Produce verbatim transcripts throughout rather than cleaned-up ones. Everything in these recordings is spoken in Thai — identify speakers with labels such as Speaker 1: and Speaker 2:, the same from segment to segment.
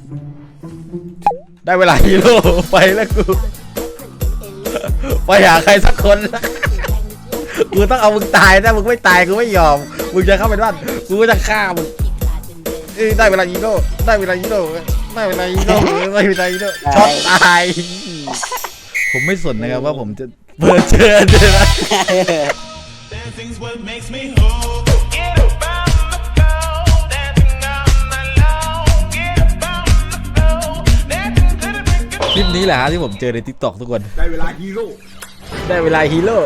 Speaker 1: ได้เวลาฮีโร่ไปแล้วกูไปหาใครสักคนกูต้องเอามึงตายถ้ามึงไม่ตายกูไม่ยอมมึงจะเข้าไปบ้านกูก็จะฆ่ามึงได้เวลาฮีโร่ได้เวลาฮีโร่ได้เวลาฮีโร่ได้เวลาฮีโร่ช็อตตายผมไม่สนนะครับว่าผมจะเปิดเจอเลยนะคลิปนี้แหละที่ผมเจอใน ติ๊กต็อก ทุกคนได้เวลาฮีโร่ได้เวลาฮีโร่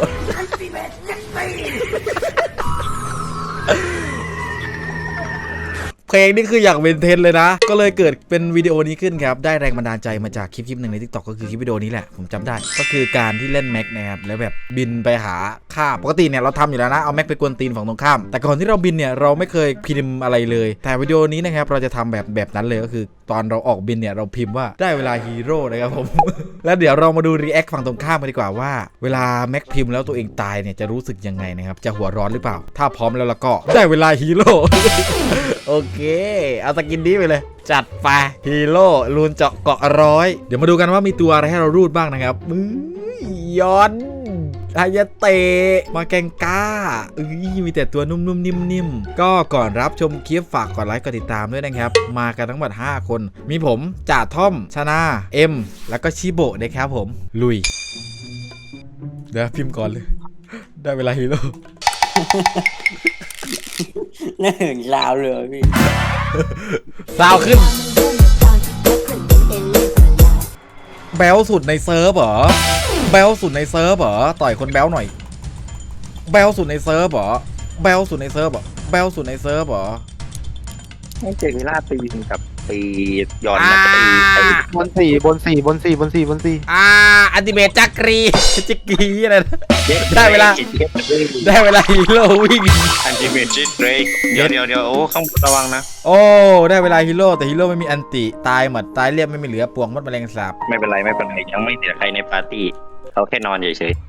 Speaker 1: เพลงนี่คืออยากเป็นเทรนเลยนะก็เลยเกิดเป็นวิดีโอนี้ขึ้นครับได้แรงบันดาลใจมาจากคลิปคลิปหนึ่งใน ติ๊กต็อก ก็คือคลิปวิดีโอนี้แหละผมจำได้ก็คือการที่เล่นแม็กนะครับแล้วแบบบินไปหาฆ่าปกติเนี่ยเราทำอยู่แล้วนะเอาแม็กไปกวนตีนฝั่งตรงข้ามแต่ก่อนที่เราบินเนี่ยเราไม่เคยพิมพ์อะไรเลยแต่วิดีโอนี้นะครับเราจะทำแบบแบบนั้นเลยก็คือตอนเราออกบินเนี่ยเราพิมพ์ว่าได้เวลาฮีโร่นะครับผม แล้วเดี๋ยวเรามาดูรีแอคฝั่งตรงข้ามกันดีกว่าว่าเวลาแม็กพิมพ์แล้วตัวเองตายเนี่ยจะรู้สึกยังไงนะครับจะหัวร้อนหรือเปล่าถ้าพร้อมแล้วเราก็ได้เวลาฮีโร่ โอเคเอาสกินนี้ไปเลยจัดไปฮีโร่ลูนเจาะเกาะร้อยเดี๋ยวมาดูกันว่ามีตัวอะไรให้เรารูดบ้างนะครับมืย้อนอายาเตะมาแกงก้าอุ้ยมีแต่ตัวนุ่มๆนิ่มๆก็ก่อนรับชมคลิปฝากกดไลค์กดติดตามด้วยนะครับมากันทั้งหมดห้าคนมีผมจ่าท่อมชนาเอ็มแล้วก็ชิโบะนะครับผมลุยเดี๋ยวพิมพ์ก่อนเลยได้เวลาฮีโร่
Speaker 2: น่าเหินลาวเลยพี่
Speaker 1: ลาวขึ้นแบลสุดในเซิร์ฟเหรอแบลสุดในเซิร์ฟเหรอต่อยคนแบลหน่อยแบลสุดในเซิร์ฟเหรอแบลสุดในเซิร์ฟเหรอแบลสุดในเซิร์ฟเหรอ
Speaker 3: ไม่เจอกีฬาตีกับตีย้อนนะตี
Speaker 4: บนสี่บนสี่บนสี่บนสี่บนสี่
Speaker 1: อ่าอันติเมตจักรีจักรีอะไรนะได้เวลาได้เวลาฮีโร่วิ่ง
Speaker 3: อันติเมตจิตเบรกเดี๋ยวเดี๋ยวเดี๋ยวโอ้ข้างบนระวังนะ
Speaker 1: โอ้ได้เวลาฮีโร่แต่ฮีโร่ไม่มีอันติตายหมดตายเรียบไม่มีเหลือปวงมดแมลงสาบ
Speaker 3: ไม่เป็นไรไม่เป็นไรยังไม่เสียใครในปาร์ตี้เขาแค่นอนเฉย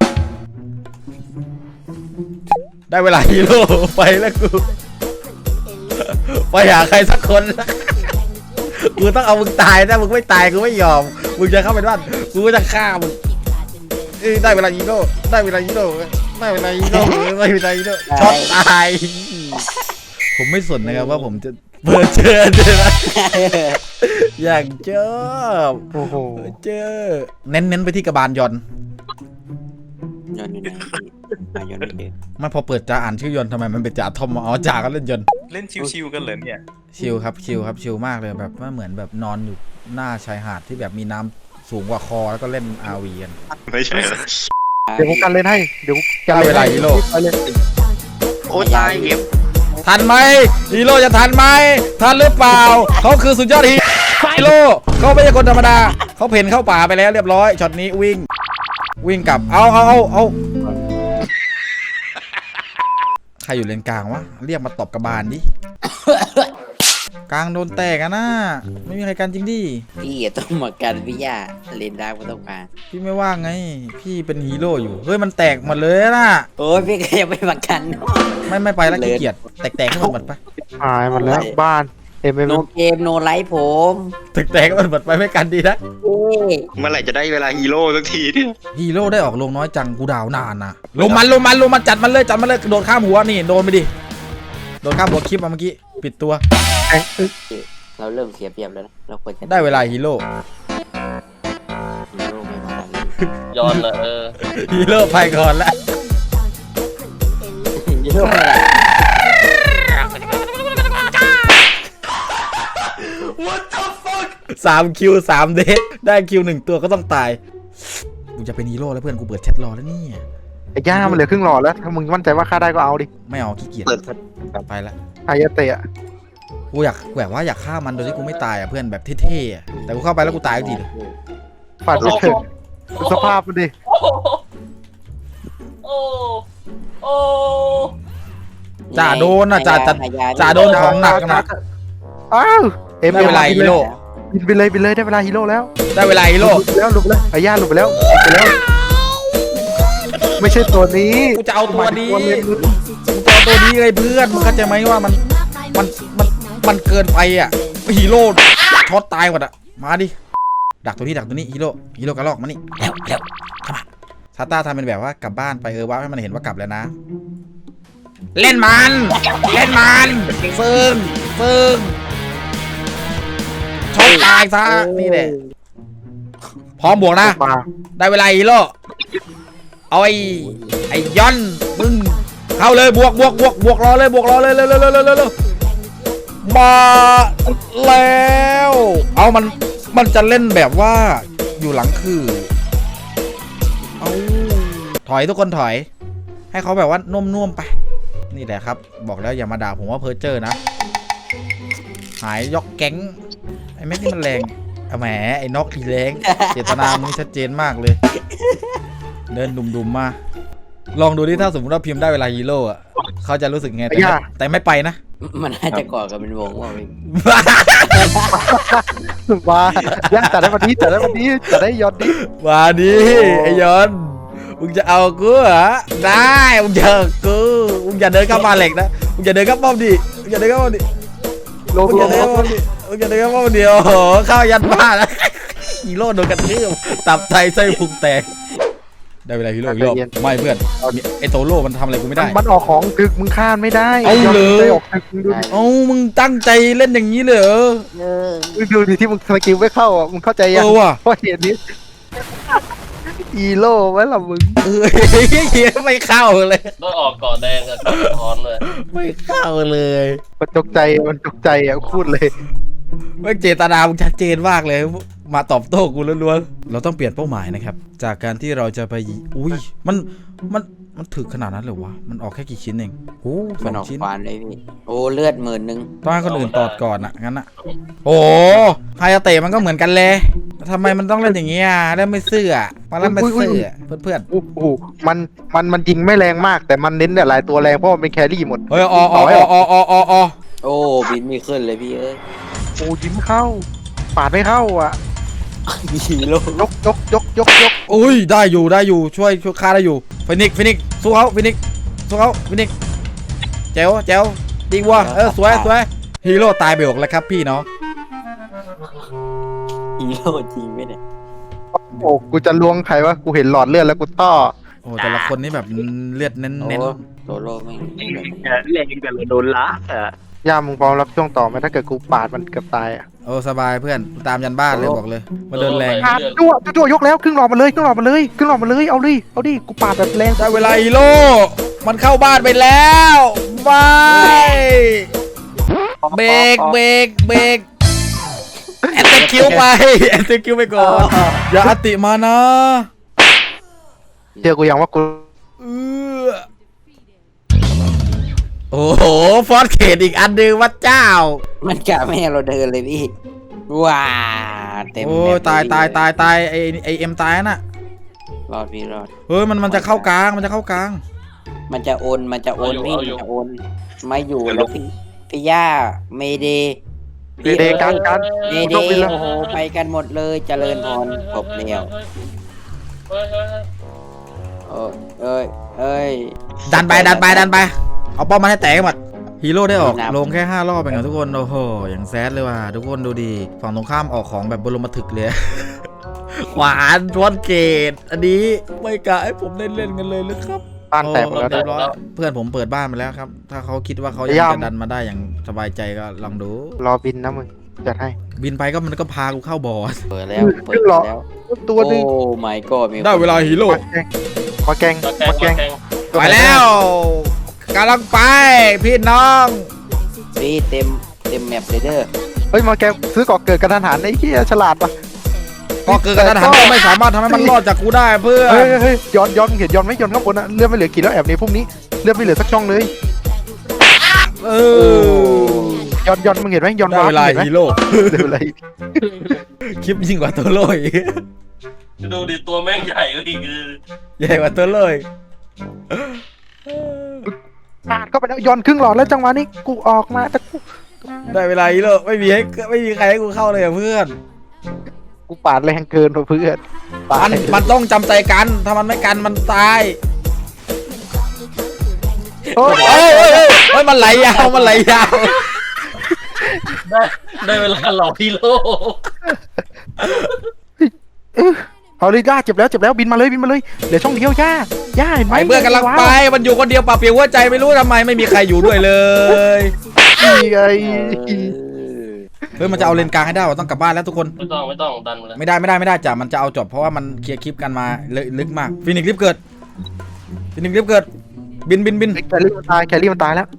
Speaker 1: ๆได้เวลาฮีโร่ไปแล้วกูไปหาใครสักคนกูต้องเอามึงตายถ้ามึงไม่ตายกูไม่ยอมมึงจะเข้าไปบ้านกูก็จะฆ่ามึงได้เวลาฮีโร่ได้เวลาฮีโร่ได้เวลาฮีโร่ได้เวลาฮีโร่ช็อตตายผมไม่สนนะครับว่าผมจะเปิดเจอเลยนะอยากเจอ
Speaker 4: โอ้โห
Speaker 1: เจอเน้นๆไปที่กระบาลยอน
Speaker 2: ยอนอยู่ไหนยอนไม่เจอ
Speaker 1: ไม่พอเปิดจ่าอ่านชื่อยอนทำไมมันเป็นจ่าทอมอ๋อจ่าก็เล่นยอน
Speaker 3: เล่นชิวๆกันเลยเนี่ย
Speaker 1: ชิลครับชิลครับชิลมากเลยแบบว่าเหมือนแบบนอนอยู่หน้าชายหาดที่แบบมีน้ำสูงกว่าคอแล้วก็เล่น อาร์ วี กัน
Speaker 3: ไม่ใช่
Speaker 4: เดี๋ยวกูกันเล่นให้เดี๋ยว
Speaker 1: กันเวลาฮีโร่
Speaker 3: โอ้ตายเก็บ
Speaker 1: ทันไหมฮีโร่จะทันไหมทันหรือเปล่าเขาคือสุดยอดฮีโร่เขาไม่ใช่คนธรรมดาเขาเพ่นเข้าป่าไปแล้วเรียบร้อยช็อตนี้วิ่งวิ่งกลับเอาเอาเอาเอาใครอยู่เลนกลางวะเรียกมาตบกระบาลดิกลางโดนแตกอะนะไม่มีใครกันจริงดิ
Speaker 2: พี่ต้องมากันพี่ย่าเลนได้ไม่ต้องการ
Speaker 1: พี่ไม่ว่างไงพี่เป็นฮีโร่อยู่เฮ้ยมันแตกหมดเลยนะ
Speaker 2: โอ้ยพี่ก็ยังไม่มากัน
Speaker 1: ไม่ไม่ไปแล้วขี้เกียจแตกๆให้หมดไป
Speaker 4: หายหมดแล้วบ้านเอ็มเอ็ม
Speaker 2: โนเกมโนไลฟ์ผม
Speaker 1: แตกๆมันหมดไปไม่กันดีนะ
Speaker 3: เมื่อไหร่จะได้เวลาฮีโร่สักทีเนี่ย
Speaker 1: ฮีโร่ได้ออกลงน้อยจังกูดาวนานนะลงมันลงมันลงมันจัดมันเลยจัดมันเลยโดนข้ามหัวนี่โดนไปดิโดนข้ามหัวคลิปมาเมื่อกี้ปิดตัว
Speaker 2: เราเริ่มเสียเปรียบแล้วนะเราควรจะ
Speaker 1: ได้เวลาฮีโร่
Speaker 2: ฮีโร่ไม่มา
Speaker 3: ย้อนเลยเออ
Speaker 1: ฮีโร่ไปก่อนแล้ว
Speaker 2: ฮีโร่
Speaker 1: สามคิวสามเดทได้คิวหนึ่งตัวก็ต้องตายกูจะเป็นฮีโร่แล้วเพื่อนกูเปิดแชทรอแล้วนี่
Speaker 4: ไอ้ย่ามันเหลือครึ่งหลอดแล้วถ้ามึงมั่นใจว่าฆ่าได้ก็เอาดิ
Speaker 1: ไม่เอาขี้เกียจไปละ
Speaker 4: อายาเตะ
Speaker 1: กูอยากแบบว่าอยากฆ่ามันโดยที่กูไม่ตายอ่ะเพื่อนแบบเท่ๆแต่กูเข้าไปแล้วกูตายจริง
Speaker 4: ๆฝันไม่เถิดสภาพมันดิ
Speaker 2: โอ้โอ้
Speaker 1: จ่าโดนอ่ะจ่าจ่าจ่าโดนของหนักนะ
Speaker 4: อ้าว
Speaker 1: เอ็มได้เวลาฮีโร่
Speaker 4: บินไปเลยบินเลยได้เวลาฮีโร่แล้ว
Speaker 1: ได้เวลาฮีโร่
Speaker 4: แล้วหลุดไปแล้วไอ้ย่าหลุดไปแล้วไปแล้วไม่ใช่ตัวนี้
Speaker 1: กูจะเอาตัวนี้กูจะเอาตัวนี้เลยเพื่อนมึงเข้าใจไหมว่ามันมันมันมันเกินไปอ่ะฮีโร่ช็อตตายหมดอะมาดิดักตัวนี้ดักตัวนี้ฮีโร่ฮีโร่กระลอกมานี่เร็วเร็วเข้ามาซาต้าทำเป็นแบบว่ากลับบ้านไปเออว่าให้มันเห็นว่ากลับแล้วนะเล่นมันเล่นมันฟึ่งฟึ่งช็อตตายซะนี่แหละพร้อมบวกนะ
Speaker 4: มา
Speaker 1: ได้เวลาฮีโร่เอาไอ้ไอ้ย้อนมึงเข้าเลยบวกบวกบวกบวกรอเลยบวกรอเลยเร็วเร็วเร็วเร็วเร็วมาแล้วเอามันมันจะเล่นแบบว่าอยู่หลังคือเอาถอยทุกคนถอยให้เขาแบบว่านุ่มๆไปนี่แหละครับบอกแล้วอย่ามาด่าผมว่าเพอร์เจอร์นะหายยกแก๊งไอ้แม็กนี่มันแรงเอาแหมไอ้นกอีแรงเจตนามึงชัดเจนมากเลยเดินดุมๆมาลองดูดิถ้าสมมติว่าพิมพ์ได้เวลาฮีโร่อะเขาจะรู้สึกไงแต่ไม่แต่ไม่ไปนะ
Speaker 2: มันน่าจะก่อกันเป็นวงว่าพี่
Speaker 4: มาย่าจัดได้วันนี้จัดได้วันนี้จัดได้ยอดดิ
Speaker 1: มาดิไอ้ยอนมึงจะเอากูเหรอได้มึงเจอกูมึงอย่าเดินเข้ามาเหล็กนะมึงอย่าเดินเข้าป้อมดิมึงอย่าเดินเข้าป้อมดิ
Speaker 4: ลง
Speaker 1: มึง
Speaker 4: ล
Speaker 1: อย่าง เดินเข้าป้อมดิมึงอย่าเดินเข้าป้อมเดียวโอ้โหเข้ายันบ้านแล้วฮีโร่โดนกระทืบตับไตไส้พุงแตกได้เวลาฮีโร่อีกรอบไม่เพื่อนไอ้โตโร่มันทำอะไรกูไม่ได้
Speaker 4: มันออกของดึกมึงข้ามไม่ได้
Speaker 1: เอาเลย
Speaker 4: ออกดึกมึงดู
Speaker 1: เอ้ามึงตั้งใจเล่นอย่างนี้เลยเหรอ
Speaker 4: มึงดูดิที่มึงสกิลไม่เข้าอ่ะมึงเข้าใจ
Speaker 1: เอ
Speaker 4: ยัง
Speaker 1: อว่ะ
Speaker 4: เพราะเหตุนี้อีโร่ไว้ละมึง
Speaker 1: เออไม่เข้าเลย
Speaker 5: ต้องออกก่อนแดงกับก่อนทอนเลย
Speaker 1: ไม่เข้าเลย
Speaker 4: มันตกใจมันตกใจอ่ะพูดเลย
Speaker 1: ไม่เจตนามึงชัดเจนมากเลยมาตอบโต้กูล้วนๆเราต้องเปลี่ยนเป้าหมายนะครับจากการที่เราจะไปอุ้ยมันมันมันถึกขนาดนั้นเลยวะมันออกแค่กี่ชิ้นเองโอ้ส
Speaker 2: มั
Speaker 1: อน ง
Speaker 2: ออก
Speaker 1: ชิ้น
Speaker 2: ฟานเลยพี่โอ้เลือดหมื่นหนึ่ง
Speaker 1: ต้องให้คนอื่นตอดก่อนอะงั้นอะโอ้ไฮยาเตะมันก็เหมือนกันเลยทำไมมันต้องเล่นอย่างเงี้ยเล่นไม่ซื่ออะมาเล่นไม่ซื่ออะเพื่อน
Speaker 4: โอ้โหมันมันมันยิงไม่แรงมากแต่มันเน้นเนี่ยหลายตัวแรงเพราะมันเป็นแครี่หมด
Speaker 1: ๆเฮ้ยออออออออออ
Speaker 2: โอ้บินไม่ขึ้นเลยพี่เอ้ย
Speaker 4: โอ้ยิ้มเข้าปาดไม่เข้าอ่ะ
Speaker 2: ฮีโร่
Speaker 4: ยกยกยกยกยก
Speaker 1: อุ้ยได้อยู่ได้อยู่ช่วยช่วยฆ่าได้อยู่ฟินิกฟินิกสู้เขาฟินิกสู้เขาฟินิกแจ๋วแจ๋วดีวัวเออสวยสวยฮีโร่ตายไปหกแล้วครับพี่เนาะ
Speaker 2: ฮีโร่จริงไหมเนี่ย
Speaker 4: โอ้กูจะล้วงใครวะกูเห็นหลอดเลือดแล้วกูต้อ
Speaker 1: โอ้แต่ละคนนี่แบบเลือดเน้น
Speaker 2: โอ้
Speaker 1: เน้น
Speaker 2: โซโล่ไม่ไม่แบบ
Speaker 3: แรงกันเลยโดนละอ่ะ
Speaker 4: ย่ามึงพร้อมรับช่วงต่อไหมถ้าเกิดกูปาดมันเกือบตายอ่ะ
Speaker 1: โอ้สบายเพื่อนตามยันบ้านเลยบอกเลยมาเดินแรง
Speaker 4: ปาดจั่วจั่วยกแล้วครึ่งหลอดมาเลยครึ่งหลอดมาเลยครึ่งหลอดมาเลยเอาดิเอาดิกูปาดแบบแรง
Speaker 1: ได้เวลาฮีโร่มันเข้าบ้านไปแล้วไม่เบรกเบรกเบรกแอนติคิวไปแอนติคิวไปก่อนอย่าอติมานะ
Speaker 4: เจอกูยังว่ากู
Speaker 1: เออโอ้โหฟอสเขตอีกอันหนึ่งวัดเจ้า
Speaker 2: มันกะไม่ให้เราเดินเลยพี่ว้าเต็ม
Speaker 1: โอ้
Speaker 2: แม
Speaker 1: ย
Speaker 2: ป
Speaker 1: ตาย
Speaker 2: เล
Speaker 1: ตายตายตายไอไอเอ็มตายน่ะ
Speaker 2: รอดพี่รอด
Speaker 1: เฮ้ยมันมันจะเข้ากลางมันจะเข้ากลาง
Speaker 2: มันจะโอนมันจะโอนพี่มันจะโอนไม่อยู่แล้วพี่พี่ย่าเมเด
Speaker 4: เดย์การการ
Speaker 2: เม
Speaker 4: กู
Speaker 2: เด
Speaker 4: ต้องบินแล้ว
Speaker 2: โอ้โหไปกันหมดเลยเจริญพรจบแล้ว
Speaker 5: เฮ้ยเฮ้ยเฮ้ย
Speaker 2: เอ้ยเอ้ยเอ้ย
Speaker 1: ดันไปดันไปดันไปเอาป้อมมาให้แตกหมดฮีโร่ได้ออกลงแค่ห้ารอบเองอะทุกคนโอ้โหอย่างแซดเลยว่ะทุกคนดูดีฝั่งตรงข้ามออกของแบบบรมถึกเลย ขวานทวนเกตอันนี้ไม่กะให้ผมได้เล่นกันเลยหรือครับ
Speaker 4: บ้านแตกหมดแล้ว
Speaker 1: เรีย
Speaker 4: นะ
Speaker 1: บร้อยเพื่อนผมเปิดบ้านมาแล้วครับ ถ้าเขาคิดว่าเขายัง
Speaker 4: พยายาม
Speaker 1: จะดันมาได้อย่างสบายใจก็ลองดู
Speaker 4: รอบินนะมึงจัดให้
Speaker 1: บินไปก็มันก็พากูเข้าบอส
Speaker 2: เปิดแล้วเปิดแล้ว
Speaker 4: ตัวหนึง
Speaker 2: โอ้ my god มีคน
Speaker 1: ได้เวลาฮีโร่
Speaker 4: มาแกงมาแกง
Speaker 5: มาแกง
Speaker 4: มาแกง
Speaker 1: ไปแล้วกำลังไปพี่น้อง
Speaker 2: พี่เต็มเต็มแมปเลยเด้อ
Speaker 4: เฮ้ยมาแกงซื้อก่อเกิดกระทันหันไอ้เหี้ยฉลาดปะ
Speaker 1: ก็เกิดกระทันหันก็ไม่สามารถทำให้มันรอดจากกูได้เพื่อ
Speaker 4: เฮ้ย
Speaker 1: น
Speaker 4: เฮ้ยเฮ้ยย้อนย้อนเห็นย้อนไหมย้อนข้างบนอะเลือดไม่เหลือกี่แล้วแอบนี้พวกนี้เลือดไม่เหลือสักช่องเลย
Speaker 1: เออ
Speaker 4: ย้อนย้อนมึงเห็นไหมย้อน
Speaker 1: ได้เวลา
Speaker 4: ห็นไหม
Speaker 1: ฮีโร่
Speaker 4: ได้เวลา
Speaker 1: คลิปยิ่งกว่าตัวโลย
Speaker 5: ดูดิตัวแม่งใหญ่ก็อีกคือ
Speaker 1: ใหญ่กว่าตัวโลย
Speaker 4: ปาดเข้าไปแล้วย้อนครึ่งหลอดแล้วจังหวะนี้กูออกมาแต่กู
Speaker 1: ได้เวลาฮีโร่ไม่มีให้ไม่มีใครให้กูเข้าเลยอะเพื่อน
Speaker 4: กูปาดแรงเกินเพื่อนปา
Speaker 1: มั
Speaker 4: ด
Speaker 1: นมันต้องจำใจกันถ้ามันไม่กันมันตาย
Speaker 4: โอ้ย
Speaker 1: เฮ้ยเฮ้ยเฮ้ยเฮ้ยมันไหลยาวมันไหลยาว
Speaker 5: ได้ได้เวลาหลอกฮีโร่
Speaker 4: เอาเลยย่าเจ็บแล้วเจ็บแล้วบินมาเลยบินมาเลยเหลือช่องเดียวย่าย่าเห็นไหม
Speaker 1: ไปเพื่อนกำลังไปมันอยู่คนเดียวปะเปียวหัวใจไม่รู้ทำไมไม่มีใครอยู่ด้วยเลย
Speaker 4: นี่ไง
Speaker 1: เฮ้ยมันจะเอาเลนกลางให้ได้ว่ะต้องกลับบ้านแล้วทุกคน
Speaker 5: ไม่ต้องไม่ต้องดันมาเลย
Speaker 1: ไม่ได้ไม่ได้ไม่ได้จ้ะมันจะเอาจบเพราะว่ามันเคลียร์คลิปกันมาลึกมากฟินิกซ์รีบเกิดฟินิกซ์รีบเกิดบินบินบิน
Speaker 4: แครี่มันตายแครี่มันตายแล้ว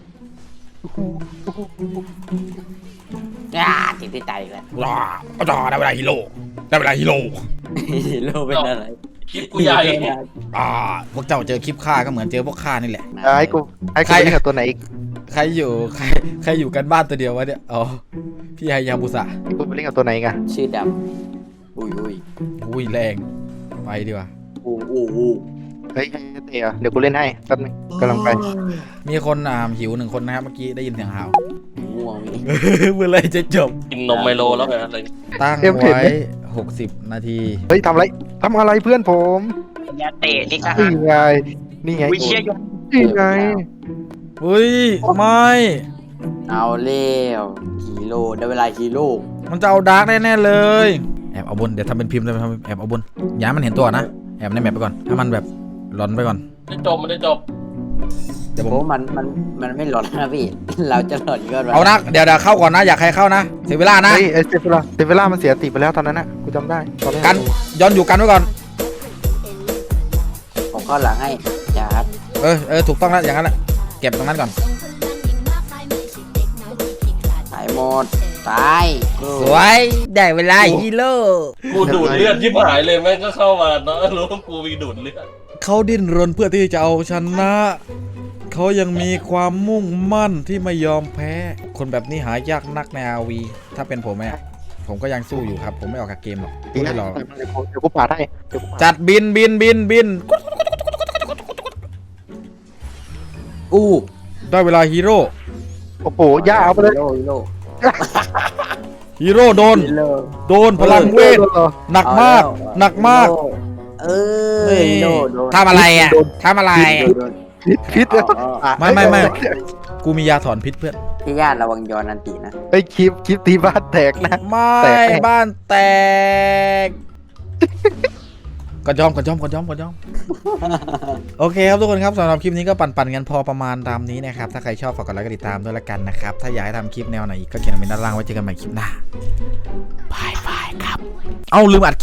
Speaker 2: อ่าติดที่ใจอีกแล้ว
Speaker 1: รอก็รอได้เวลาฮีโร่ได้เวลาฮีโร่
Speaker 2: โลเป็นอะไร
Speaker 5: คลิปกูใหญ่
Speaker 1: อ่าพวกเจ้าเจอคลิปฆ่าก็เหมือนเจอพวกฆ่านี่แหละ
Speaker 4: ไอ้กูไอ้กูเล่นกับตัวไหนอีก
Speaker 1: ใครอยู่ใครใครอยู่กันบ้านตัวเดียววะเนี่ยอ๋อพี่ไฮยาบุสะ
Speaker 4: กูไปเล่นกับตัวไหนกัน
Speaker 2: ชื่อดำอุ้ยอุ้ย
Speaker 1: อุ้ยแรงไปดีกว่า
Speaker 2: อู้อู้อู้
Speaker 4: เฮ้ยให้เตะเดี๋ยวกูเล่นให้แป๊บนึงกำลังไป
Speaker 1: มีคนอ่าหิวหนึ่งคนนะครับเมื่อกี้ได้ยินเสียงห่าว
Speaker 2: ง่วงนี่
Speaker 1: เมื่อไรจะจบ
Speaker 5: กินนมไมโลแล้วไงอะไร
Speaker 1: ตั้งไว้หกสิบนาที
Speaker 4: เฮ้ยทำอะไรทำอะไรเพื่อนผม
Speaker 2: ยาเตะนี่ก็
Speaker 4: นี่ไงนี่ไง
Speaker 2: วิเชียย
Speaker 4: นี่ไง
Speaker 1: อุ้ยไม่
Speaker 2: เอาเร็วฮีโร่ได้เวลาฮีโร่
Speaker 1: มันจะเอาดาร์กแน่ๆเลยแอบเอาบนเดี๋ยวทำเป็นพิมพ์เลยทำแอบเอาบนอย่าให้มันเห็นตัวนะแอบในแมปไปก่อนถ้ามันแบบหลอนไปก่อน
Speaker 5: ไม่จบไม่ได้จบ
Speaker 1: เดี๋ยวผ
Speaker 2: โอ้
Speaker 1: ม
Speaker 2: มันมันมันไม่หลอนนะพี่ เราจะหลอนก็หลอน
Speaker 1: เอานะเดี๋ยวเดี๋ยวเข้าก่อนนะอยากใครเข้านะเสียเวลานะ
Speaker 4: เฮ้ยเอเซเวล่าเซเวล่ามันเสียติไปแล้วตอนนั้นน่ะกูจำได้ตอนนั้น
Speaker 1: กันย้อนอยู่กันไว้ก่อน
Speaker 2: ผมเข้าหลังให้อย่าครับ
Speaker 1: เออเออถูกต้องแล้วอย่างนั้นแหละเก็บตรงนั้นก่อน
Speaker 2: ตายหมดตาย
Speaker 1: สวยได้เวลาฮีโร่
Speaker 5: กูดูดเลือดที่หายเลยแม่งก็เข้ามาเนาะรู้ว่ากูมีดูดเลือด
Speaker 1: เขาดิ้นรนเพื่อที่จะเอาชนะเขายังมีความมุ่งมั่นที่ไม่ยอมแพ้ คนแบบนี้หายากนักใน อาร์ วี ถ้าเป็นผมเนี่ยผมก็ยังสู้อยู่ครับ ผมไม่ออกจากเกมหรอก
Speaker 4: ดีนะ
Speaker 1: ไม่รอ
Speaker 4: เดี๋ยวกูปาดให้เดี๋ยวกูปาด
Speaker 1: จัดบินบินบินบิน
Speaker 2: อู้
Speaker 1: ได้เวลาฮีโร่
Speaker 4: โอ้โหย่าเอาไปเลย
Speaker 2: ฮีโร่ฮีโร่
Speaker 1: ฮีโร่โดน
Speaker 2: ฮีโร่
Speaker 1: โดนพลังเวทหนักมาก หนักมาก
Speaker 2: เออฮีโร่โดน
Speaker 1: ทำอะไรอ่ะทำอะไร
Speaker 2: โดน
Speaker 4: พิษพิษ
Speaker 2: อ๋ออ๋อ
Speaker 4: อ่ะ
Speaker 1: ไม่ไม่ไม่ กูมียาถอนพิษเพื่อน
Speaker 2: พี่ญาติระวังย้อนอันตีนะ
Speaker 4: ไอ้คลิปคลิปตีบ้านแตกนะ
Speaker 1: ไม่
Speaker 4: แตก
Speaker 1: บ้านแตกกระจอมกระจอมกระจอมกระจอม โอเคครับทุกคนครับสำหรับคลิปนี้ก็ปั่นๆกันพอประมาณตามนี้นะครับถ้าใครชอบฝากกดไลค์กดติดตามด้วยละกันนะครับถ้าอยากให้ทำคลิปแนวไหนอีกก็เขียนคอมเมนต์ด้านล่างไว้เจอกันใหม่คลิปหน้าบายบายครับ เอ้าลืมอัด